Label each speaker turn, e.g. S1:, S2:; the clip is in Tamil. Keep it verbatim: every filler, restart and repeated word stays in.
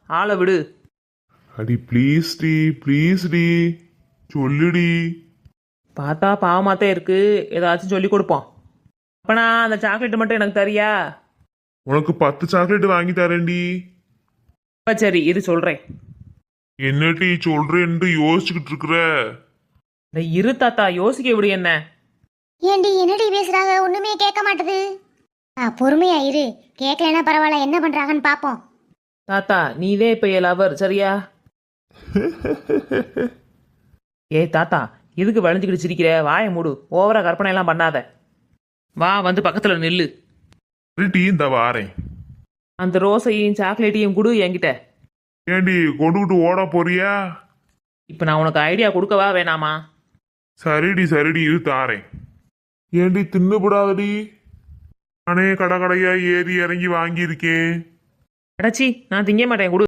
S1: ஆளை விடு.
S2: அடி ப்ளீஸ் டி ப்ளீஸ் டி சொல்லுடி.
S1: பார்த்தா பாவமாத்தான் இருக்கு, ஏதாச்சும் சொல்லி கொடுப்போம். அப்பனா அந்த சாக்லேட் மட்டும் எனக்கு தரியா?
S2: உனக்கு பத்து சாக்லேட் வாங்கி தரேன்டி.
S1: அப்ப சரி இரு சொல்றேன்.
S2: என்னடி சொல்றேன்னு யோசிச்சுக்கிட்டு இருக்கிற?
S1: டேய், இரு தாத்தா, யோசிக்க விடு என்ன.
S3: ஏண்டி என்னடி பேசுறாங்க, ஒண்ணுமே கேட்க மாட்டுது. ஆ பொறுமையா இரு, கேட்கலன்னா பரவாயில்ல, என்ன பண்றாங்கன்னு பாப்போம்.
S1: தாத்தா நீதே இப்ப என் லவர் சரியா? ஏய் தாத்தா, எதுக்கு வளைஞ்சுக்கிட்டு சிரிக்கிற? வாயை மூடு, ஓவரா கற்பனை எல்லாம் பண்ணாத. வா வந்து பக்கத்துல நில்லு.
S2: டீ இந்த வாரேன்.
S1: அந்த ரோஸையும் சாக்லேட்டையும் கொடு என்கிட்ட.
S2: ஏண்டி கொண்டுகிட்டு ஓட போறியா?
S1: இப்ப நான் உனக்கு ஐடியா கொடுக்கவா வேணாமா?
S2: சரிடி சரிடி இது தாரேன். ஏண்டி தின்னுபடாதடி, நானே கடை கடையா ஏறி இறங்கி வாங்கியிருக்கேன்.
S1: அடச்சி, நான் திங்க மாட்டேன், கொடு.